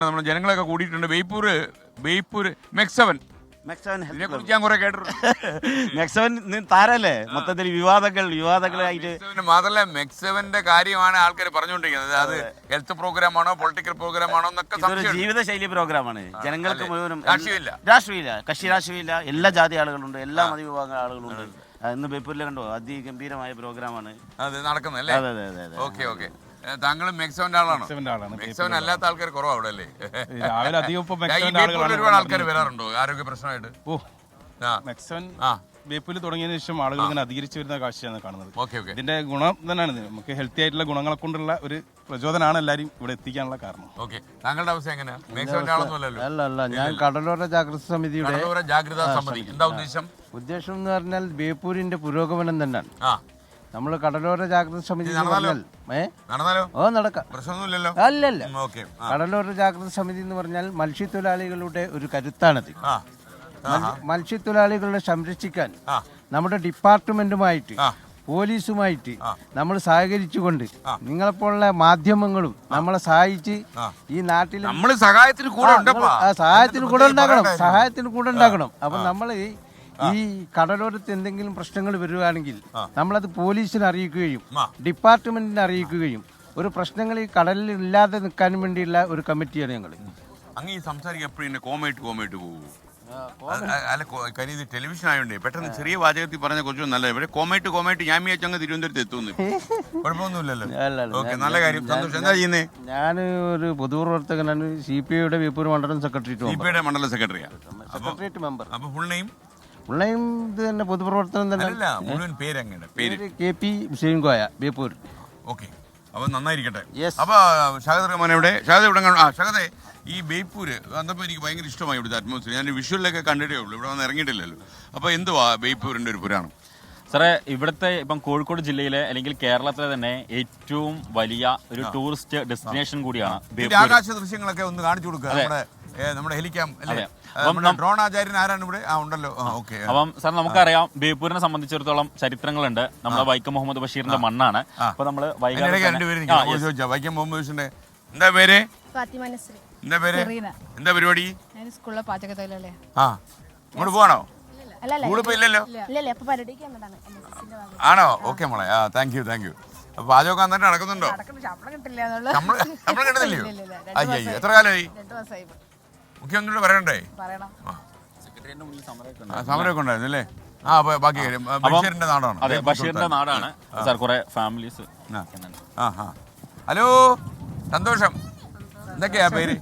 നമ്മുടെ ജനങ്ങളൊക്കെ കൂടിയിട്ടുണ്ട്. ബേപ്പൂർ മെക്സവൻ ഇതിനെക്കുറിച്ച് ഞാൻ കുറെ കേട്ടിട്ടുണ്ട്. മെക്സവൻ താരല്ലേ മൊത്തത്തിൽ വിവാദങ്ങളായിട്ട്. മാത്രമല്ല മെക്സവന്റെ കാര്യമാണ് ആൾക്കാർ പറഞ്ഞുകൊണ്ടിരിക്കുന്നത്. അത് ഹെൽത്ത് പ്രോഗ്രാം ആണോ പൊളിറ്റിക്കൽ പ്രോഗ്രാം ആണോ എന്നൊക്കെ ജീവിതശൈലി പ്രോഗ്രാമാണ്. ജനങ്ങൾക്ക് മുഴുവനും രാഷ്ട്രീയമില്ല, കക്ഷി രാഷ്ട്രീയമില്ല. എല്ലാ ജാതി ആളുകളുണ്ട്, എല്ലാ മതവിഭാഗം ആളുകളുണ്ട്. ഇന്ന് ബേപ്പൂരിൽ കണ്ടോ, അതിഗംഭീരമായ പ്രോഗ്രാമാണ് അത് നടക്കുന്നല്ലേ? Okay okay. താങ്കൾ മെക്സവന്റെ ആളാണോ? മെക്സവൻ അല്ലാത്ത ആൾക്കാർ കുറവാ അവിടെ അല്ലേ? രാവിലെ അധികം ഒരുപാട് ആൾക്കാർ വരാറുണ്ടോ ആരോഗ്യ പ്രശ്നമായിട്ട്? മെക്സവൻ ബേപ്പൂരിൽ തുടങ്ങിയതിനു ശേഷം ആളുകൾ ഇങ്ങനെ അധികരിച്ചു വരുന്ന കാഴ്ചയാണ് കാണുന്നത്. ഇതിന്റെ ഗുണം തന്നെയാണ്, നമുക്ക് ഹെൽത്തി ആയിട്ടുള്ള ഗുണങ്ങളെ കൊണ്ടുള്ള ഒരു പ്രചോദനമാണ് എല്ലാവരും ഇവിടെ എത്തിക്കാനുള്ള കാരണം. താങ്കളുടെ അവസ്ഥ എങ്ങനെയാണ്? മെക്സവന്റെ ആളൊന്നുമല്ലല്ലോ. അല്ല, ഞാൻ കടലോര ജാഗ്രത സമിതിയുടെ ജാഗ്രതാ സമിതി. എന്താ ഉദ്ദേശം? ഉദ്ദേശം എന്ന് പറഞ്ഞാൽ ബേപ്പൂരിന്റെ പുരോഗമനം തന്നെയാണ്. നമ്മള് കടലോര ജാഗ്രത സമിതി നടക്കാം, പ്രശ്നമൊന്നുമില്ലല്ലോ. അല്ലല്ല, കടലോര ജാഗ്രത സമിതി എന്ന് പറഞ്ഞാൽ മത്സ്യത്തൊഴിലാളികളുടെ ഒരു കരുത്താണത്. മത്സ്യത്തൊഴിലാളികളെ സംരക്ഷിക്കാൻ നമ്മുടെ ഡിപ്പാർട്ട്മെന്റുമായിട്ട് പോലീസുമായിട്ട് നമ്മൾ സഹകരിച്ചുകൊണ്ട് നിങ്ങളെപ്പോലുള്ള മാധ്യമങ്ങളും നമ്മളെ സഹായിച്ച് ഈ നാട്ടിൽ സഹായത്തിന് കൂടെ ഉണ്ടാക്കണം. അപ്പൊ നമ്മൾ ഈ കടലോരത്ത് എന്തെങ്കിലും പ്രശ്നങ്ങൾ വരുവാണെങ്കിൽ നമ്മളത് പോലീസിനെ അറിയിക്കുകയും ഡിപ്പാർട്ട്മെന്റിനെ അറിയിക്കുകയും ഒരു പ്രശ്നങ്ങൾ ഈ കടലിൽ ഇല്ലാതെ നിൽക്കാൻ വേണ്ടിയുള്ള ഒരു കമ്മിറ്റിയാണ് ഞങ്ങൾ. അങ്ങ് ഈ സംസാരിക്കാൻ എപ്പോഴും കോമേറ്റ് പോകും. അല്ല കാര്യം ഇത് ടെലിവിഷൻ ആയതുകൊണ്ട് പെട്ടെന്ന് ചെറിയ വാചകത്തിൽ പറഞ്ഞ കുറച്ചും നല്ല. ഇവിടെ കോമേറ്റ് ഞാൻ വിചാരിച്ചു അങ്ങ് തിരുവനന്തപുരത്ത് എത്തുന്നു. കുഴപ്പമൊന്നുമില്ലല്ലോ. നല്ല കാര്യം, സന്തോഷം. എന്താ ചെയ്യുന്നേ? ഞാൻ ഒരു പൊതുപ്രവർത്തകനാണ്. CPI ബേപ്പൂർ മണ്ഡലം സെക്രട്ടേറിയറ്റ്. CPI മണ്ഡലം സെക്രട്ടറിയാണ് മെമ്പർ. അപ്പൊ ഫുൾ നെയിം ഇത് തന്നെ പൊതുപ്രവർത്തനം തന്നെ. മുഴുവൻ പേര് KP ഹുസൈൻ കോയ, ബേപ്പൂർ. ഓക്കെ, അപ്പൊ നന്നായിരിക്കട്ടെ. അപ്പൊ ഷഹദ് റഹ്മാൻ എവിടെ? ഷഹദേ, ഈ ബേപ്പൂര് വന്നപ്പോൾ എനിക്ക് ഭയങ്കര ഇഷ്ടമായി ഇവിടുത്തെ അറ്റ്മോസ്ഫിയർ. ഞാൻ വിഷ്വലിലൊക്കെ കണ്ടിട്ടേ ഉള്ളൂ, ഇവിടെ വന്ന് ഇറങ്ങിയിട്ടില്ലല്ലോ. അപ്പൊ എന്തുവാ ബേപ്പൂരിന്റെ ഒരു പുരാണം? സാറേ, ഇവിടുത്തെ ഇപ്പം കോഴിക്കോട് ജില്ലയിലെ അല്ലെങ്കിൽ കേരളത്തിലെ തന്നെ ഏറ്റവും വലിയ ഒരു ടൂറിസ്റ്റ് ഡെസ്റ്റിനേഷൻ കൂടിയാണ് ബേപ്പൂർ. ആകാശ ദൃശ്യങ്ങളൊക്കെ ഒന്ന് കാണിച്ചു കൊടുക്കുക. നമ്മുടെ ഹെലിക്യാം അല്ലേ? ഡ്രോൺ ആചാര്യൻ ആരാണ് ഇവിടെ? ഉണ്ടല്ലോ. ഓക്കെ. അപ്പം സാർ, നമുക്കറിയാം ബേപ്പൂരിനെ സംബന്ധിച്ചിടത്തോളം ചരിത്രങ്ങളുണ്ട്. നമ്മുടെ വൈക്കം മുഹമ്മദ് ബഷീറിന്റെ മണ്ണാണ്. അപ്പൊ നമ്മള് വൈക്കം മുഹമ്മദ് ബഷീറിന്റെ എന്താ പേര്? എന്താ പരിപാടി? ഇങ്ങോട്ട് പോവാണോ? ഇല്ലല്ലോ. ആണോ? ഓക്കെ മോളെ, താങ്ക് യു. അപ്പൊ പാചകമൊക്കെ നന്നായിട്ട് നടക്കുന്നുണ്ടോ? ശമ്പളം കിട്ടുന്നില്ലയോ? അയ്യോ, എത്ര കാലമായി? മുഖ്യമന്ത്രിയോട് പറയണ്ടേ? സമരമൊക്കെ ഉണ്ടായിരുന്നു അല്ലേ? ബാക്കി ബഷീറിന്റെ നാടാണ്. അതെ, ബഷീറിന്റെ നാടാണ് സാർ. കുറെ ഫാമിലീസ്. ഹലോ, സന്തോഷം. എന്തൊക്കെയാ പേര്?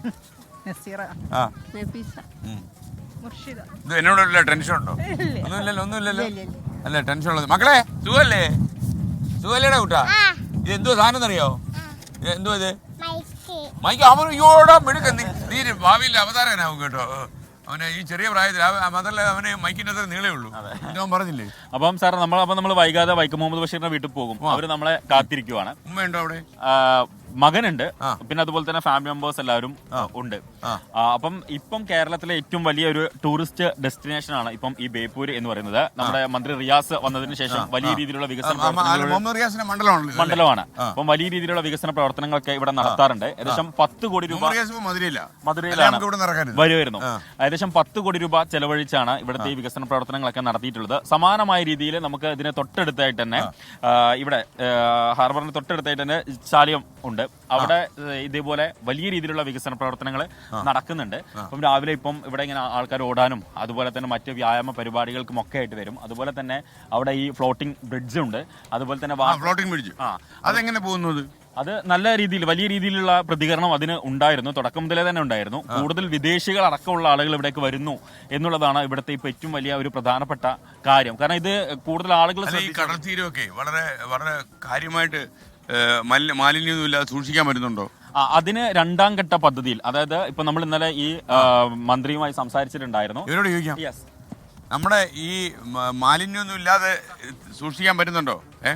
ഇത് എന്നോടുള്ള ടെൻഷൻ ഉണ്ടോ? ഒന്നുമില്ലല്ലോ. അല്ല, ടെൻഷൻ ഉള്ളത്. മക്കളെ, സുഖല്ലേടാ കൂട്ടാ? ഇത് എന്തോ സാധനം അറിയോ? എന്തോ ഇത്? മൈക്ക്. അവനോടാ മിടുക്ക. നീ ഭാവിയിൽ അവതാരകനാവും കേട്ടോ. അവനെ ഈ ചെറിയ പ്രായത്തിൽ അതല്ല, അവന് മൈക്കിന്റെ അത്ര നീളേ ഉള്ളൂ. ഞാൻ പറഞ്ഞില്ലേ? അപ്പം സാർ, നമ്മൾ വൈകാതെ വൈക്കം മുഹമ്മദ് ബഷീറിന്റെ വീട്ടിൽ പോകും. അവര് നമ്മളെ കാത്തിരിക്കുവാണ്. ഉമ്മയുണ്ടോ അവിടെ? മകനുണ്ട്, പിന്നെ അതുപോലെ തന്നെ ഫാമിലി മെമ്പേഴ്സ് എല്ലാവരും ഉണ്ട്. അപ്പം ഇപ്പം കേരളത്തിലെ ഏറ്റവും വലിയ ഒരു ടൂറിസ്റ്റ് ഡെസ്റ്റിനേഷൻ ആണ് ഇപ്പം ഈ ബേപ്പൂര് എന്ന് പറയുന്നത്. നമ്മുടെ മന്ത്രി റിയാസ് വന്നതിന് ശേഷം വലിയ രീതിയിലുള്ള വികസന മണ്ഡലമാണ്. അപ്പം വലിയ രീതിയിലുള്ള വികസന പ്രവർത്തനങ്ങളൊക്കെ ഇവിടെ നടത്താറുണ്ട്. ഏകദേശം 10 കോടി രൂപ മധുരയിലാണ് വരുമായിരുന്നു. ഏകദേശം 10 കോടി രൂപ ചെലവഴിച്ചാണ് ഇവിടുത്തെ ഈ വികസന പ്രവർത്തനങ്ങളൊക്കെ നടത്തിയിട്ടുള്ളത്. സമാനമായ രീതിയിൽ നമുക്ക് ഇതിന് തൊട്ടടുത്തായിട്ട് തന്നെ ഇവിടെ ഹാർബറിന് തൊട്ടടുത്തായിട്ട് തന്നെ ചാലിയം ഉണ്ട്. അവിടെ ഇതേപോലെ വലിയ രീതിയിലുള്ള വികസന പ്രവർത്തനങ്ങൾ നടക്കുന്നുണ്ട്. അപ്പം രാവിലെ ഇപ്പം ഇവിടെ ഇങ്ങനെ ആൾക്കാർ ഓടാനും അതുപോലെ തന്നെ മറ്റ് വ്യായാമ പരിപാടികൾക്കും ഒക്കെ ആയിട്ട് വരും. അതുപോലെ തന്നെ അവിടെ ഈ ഫ്ലോട്ടിംഗ് ബ്രിഡ്ജ് ഉണ്ട്. അതുപോലെ തന്നെ ഫ്ലോട്ടിംഗ് ബ്രിഡ്ജ് അതെങ്ങനെ പോകുന്നത്? അത് നല്ല രീതിയിൽ വലിയ രീതിയിലുള്ള പ്രതികരണം അതിന് ഉണ്ടായിരുന്നു. തുടക്കം മുതലേ തന്നെ ഉണ്ടായിരുന്നു. കൂടുതൽ വിദേശികൾ അടക്കമുള്ള ആളുകൾ ഇവിടേക്ക് വരുന്നു എന്നുള്ളതാണ് ഇവിടുത്തെ ഇപ്പൊ ഏറ്റവും വലിയ ഒരു പ്രധാനപ്പെട്ട കാര്യം. കാരണം ഇത് കൂടുതൽ ആളുകൾ കടൽ തീരമൊക്കെ വളരെ വളരെ കാര്യമായിട്ട് മാലിന്യമൊന്നുമില്ലാതെ സൂക്ഷിക്കാൻ പറ്റുന്നുണ്ടോ? അതിന് 2ാം ഘട്ട പദ്ധതിയിൽ, അതായത് ഇപ്പൊ നമ്മൾ ഇന്നലെ ഈ മന്ത്രിയുമായി സംസാരിച്ചിട്ടുണ്ടായിരുന്നു. ഇവരോട് ചോദിക്കാം, നമ്മുടെ ഈ മാലിന്യമൊന്നും ഇല്ലാതെ സൂക്ഷിക്കാൻ പറ്റുന്നുണ്ടോ?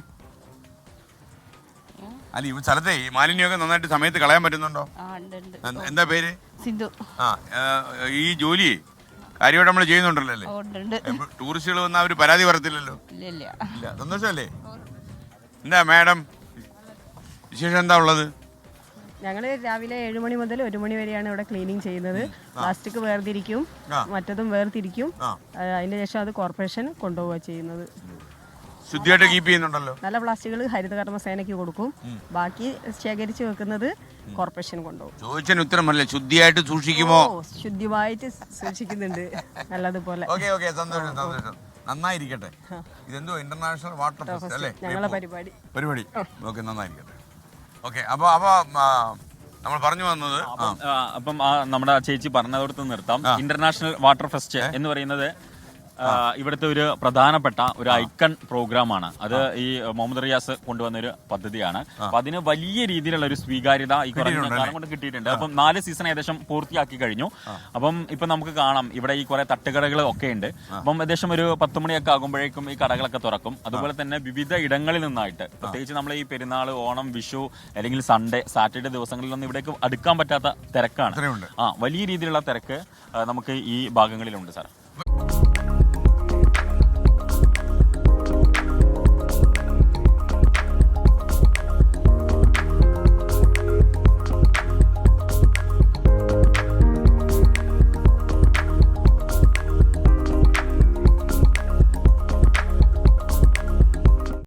അല്ല, ഈ സ്ഥലത്തെ ഈ മാലിന്യമൊക്കെ നന്നായിട്ട് സമയത്ത് കളയാൻ പറ്റുന്നുണ്ടോ? എന്താ പേര്? സിന്ധു. ഈ ജോലി കാര്യമായിട്ട് നമ്മൾ ചെയ്യുന്നുണ്ടല്ലോ അല്ലേ? ടൂറിസ്റ്റുകൾ വന്നാൽ അവര് പരാതി പറയത്തില്ലല്ലോ. ഇല്ല, സന്തോഷമല്ലേ? എന്താ മാഡം വിശേഷം എന്താ ഉള്ളത്? ഞങ്ങൾ രാവിലെ 7 മണി മുതൽ 1 മണി വരെയാണ് ഇവിടെ ക്ലീനിങ് ചെയ്യുന്നത്. പ്ലാസ്റ്റിക് വേർതിരിക്കും, മറ്റതും വേർതിരിക്കും. അതിന് ശേഷം അത് കോർപ്പറേഷൻ കൊണ്ടുപോവുക ചെയ്യുന്നത്. ശുദ്ധിയായിട്ട് കീപ്പ് ചെയ്യുന്നുണ്ടല്ലോ. നല്ല പ്ലാസ്റ്റിക്കുകൾ ഹരിതകർമ്മ സേനയ്ക്ക് കൊടുക്കും, ബാക്കി ശേഖരിച്ച് വെക്കുന്നത് കോർപ്പറേഷൻ കൊണ്ടുപോകും. ചോദിച്ചതിന് ഉത്തരമല്ലേ, ശുദ്ധിയായിട്ട് സൂക്ഷിക്കുമോ? ശുദ്ധിയായിട്ട് സൂക്ഷിക്കുന്നുണ്ട് നല്ലതുപോലെ. സന്തോഷം, നന്നായിരിക്കട്ടെ. ഇതെന്തോ ഇന്റർനാഷണൽ വാട്ടർ ഫെസ്റ്റ് അല്ലേ ഞങ്ങളെ പരിപാടി? ഓക്കെ, നന്നായിരിക്കട്ടെ. ഓക്കെ, അപ്പൊ നമ്മൾ പറഞ്ഞു വന്നത് അപ്പം നമ്മുടെ ചേച്ചി പറഞ്ഞതോടത്ത് നിർത്താം. ഇന്റർനാഷണൽ വാട്ടർ ഫെസ്റ്റ് എന്ന് പറയുന്നത് ഇവിടുത്തെ ഒരു പ്രധാനപ്പെട്ട ഒരു ഐക്കൺ പ്രോഗ്രാമാണ്. അത് ഈ മുഹമ്മദ് റിയാസ് കൊണ്ടുവന്ന ഒരു പദ്ധതിയാണ്. അപ്പൊ അതിന് വലിയ രീതിയിലുള്ള ഒരു സ്വീകാര്യത ഈ കുറഞ്ഞ കാലം കൊണ്ട് കിട്ടിയിട്ടുണ്ട്. അപ്പം 4 സീസൺ ഏകദേശം പൂർത്തിയാക്കി കഴിഞ്ഞു. അപ്പം ഇപ്പൊ നമുക്ക് കാണാം ഇവിടെ ഈ കുറെ തട്ടുകടകൾ ഒക്കെ ഉണ്ട്. അപ്പം ഏകദേശം ഒരു 10 മണിയൊക്കെ ആകുമ്പോഴേക്കും ഈ കടകളൊക്കെ തുറക്കും. അതുപോലെ തന്നെ വിവിധ ഇടങ്ങളിൽ നിന്നായിട്ട്, പ്രത്യേകിച്ച് നമ്മൾ ഈ പെരുന്നാൾ, ഓണം, വിഷു അല്ലെങ്കിൽ സൺഡേ, സാറ്റർഡേ ദിവസങ്ങളിലൊന്നും ഇവിടേക്ക് അടുക്കാൻ പറ്റാത്ത തിരക്കാണ്. വലിയ രീതിയിലുള്ള തിരക്ക് നമുക്ക് ഈ ഭാഗങ്ങളിലുണ്ട് സാർ.